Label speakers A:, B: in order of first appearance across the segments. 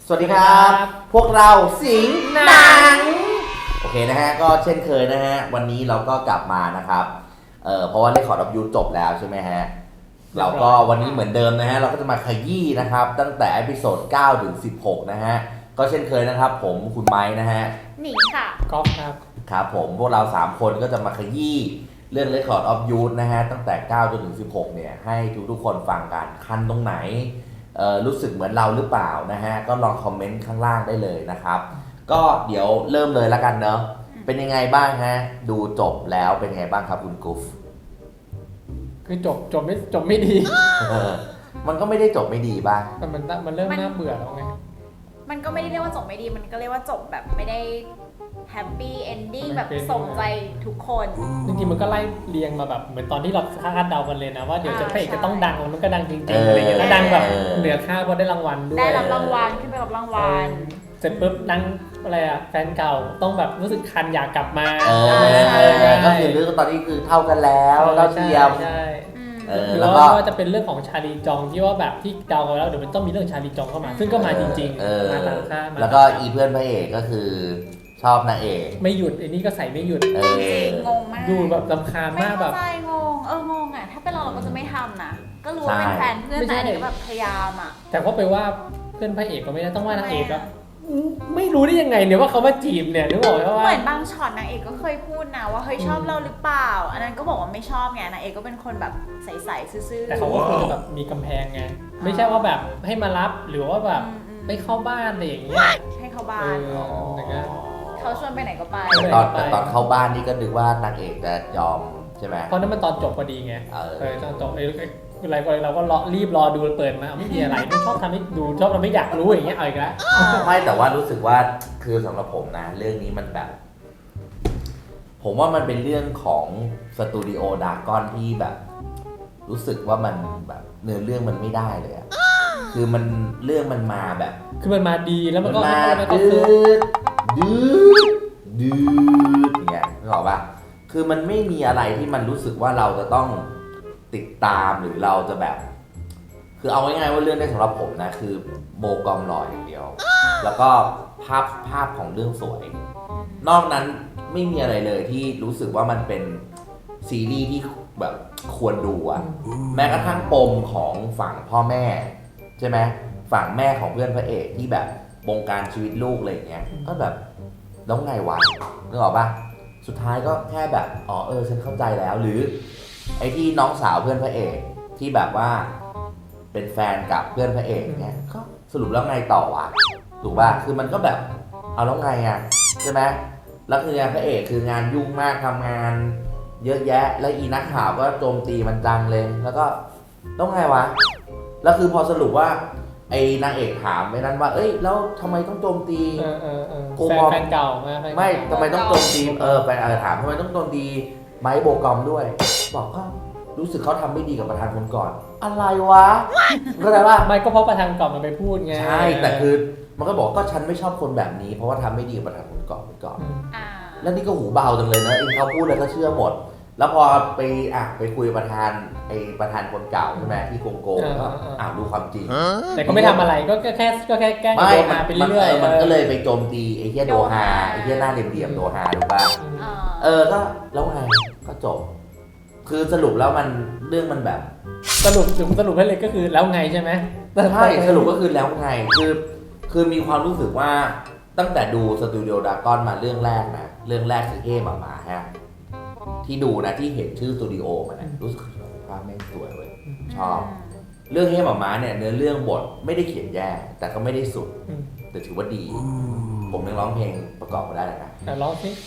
A: สวัสดีครับพวกเราสิงห์หนังโอเคนะฮะก็เช่นเคยนะฮะวันนี้เราก็กลับมานะครับเพราะว่าได้ขอรับยูจบแล้วใช่ไหมฮะเราก็วันนี้เหมือนเดิมนะฮะเราก็จะมาขยี้นะครับตั้งแต่เอพิโซด9 ถึง 16นะฮะก็เช่นเคยนะครับผมคุณไม้นะฮะ
B: หนิงค่ะ
C: ก๊อฟครับ
A: ครับผมพวกเรา3คนก็จะมาขยี้เรื่อง Record of Youth นะฮะตั้งแต่9 จนถึง 16เนี่ยให้ทุกคนฟังกันคันตรงไหนรู้สึกเหมือนเราหรือเปล่านะฮะก็ลองคอมเมนต์ข้างล่างได้เลยนะครับก็เดี๋ยวเริ่มเลยแล้วกันเนาะเป็นยังไงบ้างฮะดูจบแล้วเป็นยังไงบ้างครับคุณกุฟ
C: คือจบไม่ดี
A: มันก็ไม่ได้จบไม่ดีบ้าง
C: มันเริ่มน่าเบื่อแล้วไง
B: มันก็ไม่ได้เรียกว่าจบไม่ดีมันก็เรียกว่าจบแบบไม่ได้แฮปปี้เอนดิ้งแบบส่งใจทุกคน
C: จริงๆมันก็ไล่เรียงมาแบบเหมือนตอนที่เราคาดเดากันเลยนะว่าเดี๋ยวจะพระเอกจะต้องดังแล้วมันก็ดังจริงๆอะไรอย่างเงี้ยแล้วดังแบบเหนือคาดว่าได้รางวัลด้วย
B: ได้รับรางวัลขึ้นไปรับรางวัล
C: เสร็จปุ๊บดังอะไรอะแฟนเก่าต้องแบบรู้สึกคันอยากกลับมา
A: ก็คือเรื่องตอนนี้คือเท่ากันแล้วเราเทียม
C: แล้วก็จะเป็นเรื่องของชาลีจองที่ว่าแบบที่เดากันแล้วเดี๋ยวมันต้องมีเรื่องชาลีจองเข้ามาซึ่งก็มาจริงๆมาตามคาด
A: แล้วก็อีเพื่อนพระเอกก็คือชอบนางเอก
C: ไม่หยุดไอ้นี่ก็ใส่ไม่หยุด
B: งงมาก
C: ดูแบบรำคาญมากแบบ
B: ไม่เข้าใจงงอ่ะถ้าเป็นเราก็จะไม่ทำนะก็รู้ว่าเป็นแฟนเพื่อนแต่อันนี้ก็แบบพยายามอ่ะ
C: แต่ก็ไปว่าเพื่อนพระเอกก็ไม่ได้ต้องว่านางเอกอะไม่รู้ได้ยังไงเนี่ยว่าเขามาจีบเนี่ยนึกบอกว่า
B: เหมือนบางช็อตนางเอกก็เคยพูดนะว่าเฮ้ยชอบเราหรือเปล่าอันนั้นก็บอกว่าไม่ชอบไงนางเอกก็เป็นคนแบบใสๆซื่อๆ
C: แต่เขาก็ควรจะแบบมีกำแพงไงไม่ใช่ว่าแบบให้มารับหรือว่าแบบไม่เข้าบ้านอะไรอย่างเงี้ย
B: ให้เข้าบ้านเขาชวนไปไหนก็ไป
A: แต่ตอนเข้าบ้านนี่ก็นึกว่านางเอกจะยอมใช่ไหม
C: เพราะนั้นมันตอนจบพอดีไงตอนจบอะไรเราก็รีบรอดูเปิดมาไม่มีอะไรชอบทำให้ดูชอบทำให้อยากรู้อย่างเงี้ยเอาอีกแล้ว
A: ไม่แต่ว่ารู้สึกว่าคือสำหรับผมนะเรื่องนี้มันแบบผมว่ามันเป็นเรื่องของสตูดิโอดากอนที่แบบรู้สึกว่ามันแบบเนื้อเรื่องมันไม่ได้เลยอะคือมันเรื่องมันมาแบบ
C: คือมันมาดีแล้วมันก็
A: ดื้อเนี่ยนึกออกป่ะคือมันไม่มีอะไรที่มันรู้สึกว่าเราจะต้องติดตามหรือเราจะแบบคือเอาง่ายๆว่าเรื่องได้สำหรับผมนะคือโบกอมหล่ออย่างเดียวแล้วก็ภาพของเรื่องสวยนอกนั้นไม่มีอะไรเลยที่รู้สึกว่ามันเป็นซีรีส์ที่แบบควรดูอะแม้กระทั่งปมของฝั่งพ่อแม่ใช่ไหมฝั่งแม่ของเพื่อนพระเอกที่แบบบงการชีวิตลูกอะไรอย่างเงี้ยก็แบบแล้วไงวะนึกออกป่ะสุดท้ายก็แค่แบบฉันเข้าใจแล้วหรือไอ้ที่น้องสาวเพื่อนพระเอกที่แบบว่าเป็นแฟนกับเพื่อนพระเอกเนี่ยก็สรุปแล้วไงต่อวะถูกป่ะคือมันก็แบบเอาแล้วไงอ่ะใช่ไหมแล้วคืองานพระเอกคืองานยุ่งมากทำงานเยอะแยะแล้วอีนักข่าวก็โจมตีมันจังเลยแล้วก็ต้องไงวะแล้วคือพอสรุปว่าไอ้นางเอกถามไอ้นั้นว่าเอ้ยแล้วทำไมต้องโจมตี
C: แฟนเก่า
A: ไม่ทำไมต้องโจมตีแฟนถามทำไมต้องโจมตีไมค์โบกอมด้วยบอกก็รู้สึกเขาทำไม่ดีกับประธานคนก่อนอะไรวะเข้าใจป่ะ
C: ไม่ก็เพราะประธานก่อนมันไปพูดไง
A: ใช่แต่คือมันก็บอกก็ฉันไม่ชอบคนแบบนี้เพราะว่าทำไม่ดีกับประธานคนก่อนแล้วนี่ก็หูเบาจังเลยนะเองเขาพูดแล้วก็เชื่อหมดแล้วพอไปคุยประธานคนเก่าใช่ไหมที่โกงก็รู้ความจริง
C: แต่ก็ไม่ทำอะไรก็แค่แกล้งโดฮาไปเรื่อย
A: ๆมันก็เลยไปโจมตีไอ้เหี้ยโดฮาไอ้เหี้ยหน้าเหลี่ยมๆโดฮาถูกป่ะก็แล้วไงก็จบคือสรุปแล้วมันเรื่องมันแบบ
C: สรุปให้เลยก็คือแล้วไงใช่ไหม
A: ใช่สรุปก็คือแล้วไงคือมีความรู้สึกว่าตั้งแต่ดูสตูดิโอดากอนมาเรื่องแรกคือเฮ่หมาฮะที่ดูนะที่เห็นชื่อสตูดิโอมันนะรู้สึกภาพแม่งสวยเว้ยชอบเรื่องเฮ่หมาเนี่ยเนื้อเรื่องบทไม่ได้เขียนแย่แต่ก็ไม่ได้สุดแต่ถือว่าดีผมยังร้องเพลงประกอบมาได้เลยนะ
C: ร้องสิ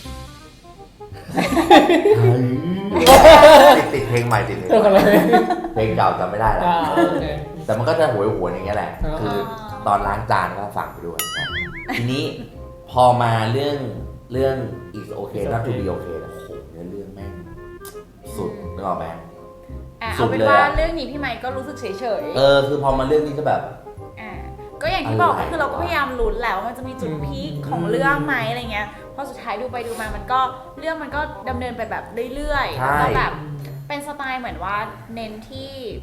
A: ติดเพลงใหม่ติดเพลงเก่าจำไม่ได้แล้วแต่มันก็จะหวยอย่างเงี้ยแหละคือตอนล้างจานก็ฟังไปด้วยทีนี้พอมาเรื่อง is okay not to be okay โอ้โหเนื้อเรื่องแม่งสุดนึกออกไหม
B: เอาเป็นว่าเรื่องนี้พี่ไมค์ก็รู้สึกเฉย
A: คือพอมาเรื่องนี้ก็แบบ
B: ก็อย่างที่บอกก็คือเราก็พยายามลุ้นแล้วมันจะมีจุดพีคของเรื่องไหมอะไรเงี้ยพอสุดท้ายดูไปดูมามันก็เรื่องมันก็ดำเนินไปแบบเรื่อยๆแล้วแบบเป็นสไตล์เหมือนว่าเน้นที่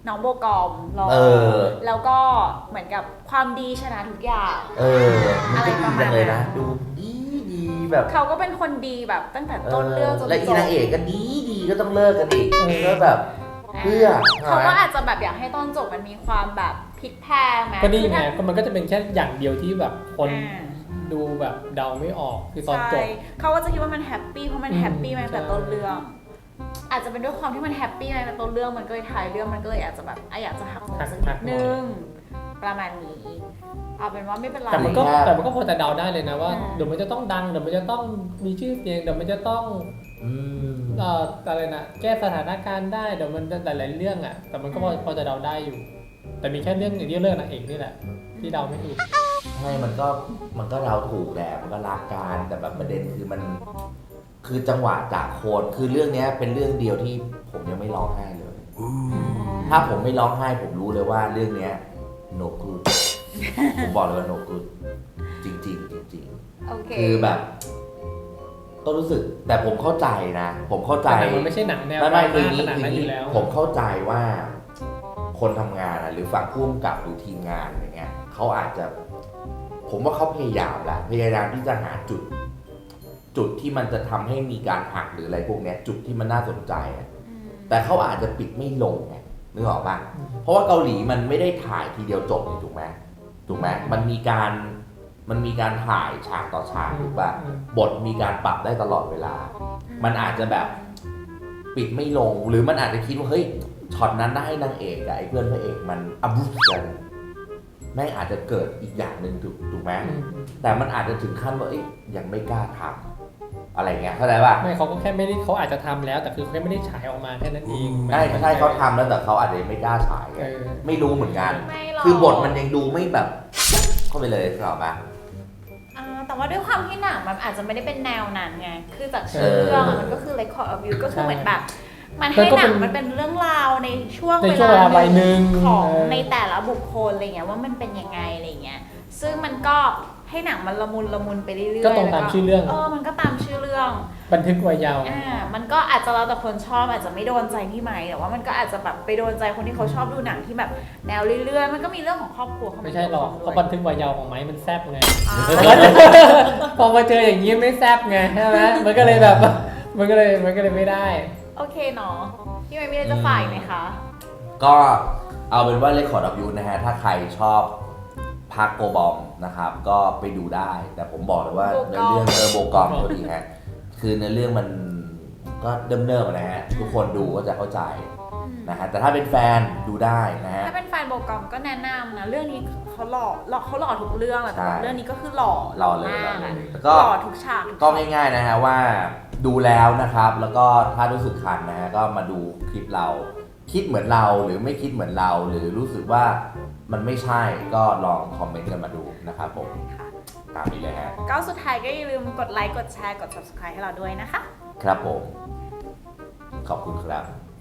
B: น้องโบกอมรอ แล้วก็เหมือนกับความดีชนะทุกอย่าง
A: มันก็ดีจังเลยนะดูดีแบบ
B: เขาก็เป็นคนดีแบบตั้งแต่ต้นเรื่องจนจบ
A: และอีนางเอกก็ดีก็ต้องเลิกกันอีกก็แบบเพื่อ
B: เขาก็อาจจะแบบอยากให้ตอนจบมันมีความแบบพลิกแพลงไหม
C: ก็นี่ไงก็มันก็จะเป็นแค่อย่างเดียวที่แบบคนดูแบบเดาไม่ออกคือตอนจบ
B: เขาก็จะคิดว่ามันแฮปปี้เพราะมันแฮปปี้มาตั้งแต่ต้นเรื่องอาจจะเป็นด้วยความที่มันแฮปปี้มาตั้งแต่ต้นเรื่องมันก็เลยท้ายเรื่องมันก็เลยอาจจะแบบอยากจะหักมุมสักนิดนึงประมาณนี้เอาเป็นว่าไม่เป็นไร
C: แต่มันก็พอจะเดาได้เลยนะว่าเดี๋ยวมันจะต้องดังเดี๋ยวมันจะต้องมีชื่อเสียงเดี๋ยวมันจะต้องอะไรนะแก้สถานการณ์ได้เดี๋ยวมันจะหลายๆเรื่องอ่ะแต่มันก็พอจะเดาได้อยู่ แต่มีแค่เรื่องอย่างเดียวเรื่องนางเอกนี่แหละที่เดาไม่ถูก
A: ใช่มันก็เดาถูกแหละมันก็รักกันแต่แบบประเด็นคือมันคือจังหวะจากโคนคือเรื่องนี้เป็นเรื่องเดียวที่ผมยังไม่ร้องไห้เลยถ้าผมไม่ร้องไห้ผมรู้เลยว่าเรื่องนี้โนกูดผมบอกเลยว่าโนกูดจริงคือแบบก็รู้สึกแต่ผมเข้าใจนะผมเข้าใจ
C: มันไม่ใช่หนังแนว
A: ไม่คือนี้ผมเข้าใจว่าคนทำงานหรือฝั่งผู้กำกับหรือทีมงานอย่างเงี้ยเขาอาจจะผมว่าเขาพยายามแหละพยายามที่จะหาจุดที่มันจะทำให้มีการหักหรืออะไรพวกเนี้ยจุดที่มันน่าสนใจแต่เขาอาจจะปิดไม่ลงไงนึกออกป่ะเพราะว่าเกาหลีมันไม่ได้ถ่ายทีเดียวจบนี่ถูกไหมมันมีการถ่ายฉากต่อฉากถูกป่ะบทมีการปรับได้ตลอดเวลามันอาจจะแบบปิดไม่ลงหรือมันอาจจะคิดว่าเฮ้ยช็อตนั้นได้ให้นางเอกกับไอ้เพื่อนพระเอกมันอับุกันแม่งอาจจะเกิดอีกอย่างหนึ่งถูกไหมแต่มันอาจจะถึงขั้นว่ายังไม่กล้าทำอะไรเงี้ยเข้าใจป่ะ
C: ไม่เขาก็แค่ไม่ได้เขาอาจจะทำแล้วแต่คือเขาไม่ได้ฉายออกมาแค่นั้นเอง
A: ใช่เขาทำแล้วแต่เขาอาจจะไม่กล้าฉายไม่รู้เหมือนกันคือบทมันยังดูไม่แบบเข้าไปเลยหรอป่ะ
B: แต่ว่าด้วยความที่หนังมันอาจจะไม่ได้เป็นแนวนั้นไงคือจากชื่อเรื่องมันก็คือ Record of You ก็คือเหมือนแบบมันให้หนังมันเป็นเรื่องราวในช่วงเวลาหนึ่งของในแต่ละบุคคลอะไรเงี้ยว่ามันเป็นยังไงอะไรเงี้ยซึ่งมันก็ให้หนังมันละมุนไปเรื่อยๆ
C: ก็ตรงตามชื่อเรื่อง
B: มันก็ตามชื่อเรื่อง
C: บันทึกไว้ยาว
B: มันก็อาจจะแล้วแต่คนชอบอาจจะไม่โดนใจพี่ไหมแต่ว่ามันก็อาจจะแบบไปโดนใจคนที่เขาชอบดูหนังที่แบบแนวเรื่อยๆมันก็มีเรื่องของครอบครัว
C: ไม่ใช่หรอกเพราะบันทึกไว้ยาวของไม้มันแซ่บไงพอมาเจออย่างนี้ไม่แซ่บไงใช่ไหมมันก็เลยแบบมันก็เลยไม่ได้
B: โอเคเนาะพี่ไม่มีอะไรจะฝ่ายไหมคะ
A: ก็เอาเป็นว่า Record of You นะฮะถ้าใครชอบพักโกบอมนะครับก็ไปดูได้แต่ผมบอกเลยว่าในเรื่องโบกอมตัวดีฮะคือในเรื่องมันก็เดิมนะฮะทุกคนดูก็จะเข้าใจนะฮะแต่ถ้าเป็นแฟนดูได้นะฮะ
B: ถ้าเป็นแฟนโบกอมก็แนะนำนะเรื่องนี้เขาหล่อทุกเรื่องแหละแต่เรื่องนี้ก็คือหล่อ
A: เลย
B: แล้วก็หล่อทุกฉาก
A: ก็ง่ายๆนะฮะว่าดูแล้วนะครับแล้วก็ถ้ารู้สึกคันนะฮะก็มาดูคลิปเราคิดเหมือนเราหรือไม่คิดเหมือนเราหรือรู้สึกว่ามันไม่ใช่ก็ลองคอมเมนต์กันมาดูนะครับผมตามนี้เลยฮะ
B: ก็สุดท้ายก็อย่าลืมกดไลค์กดแชร์กด subscribe ให้เราด้วยนะคะ
A: ครับผมขอบคุณครับ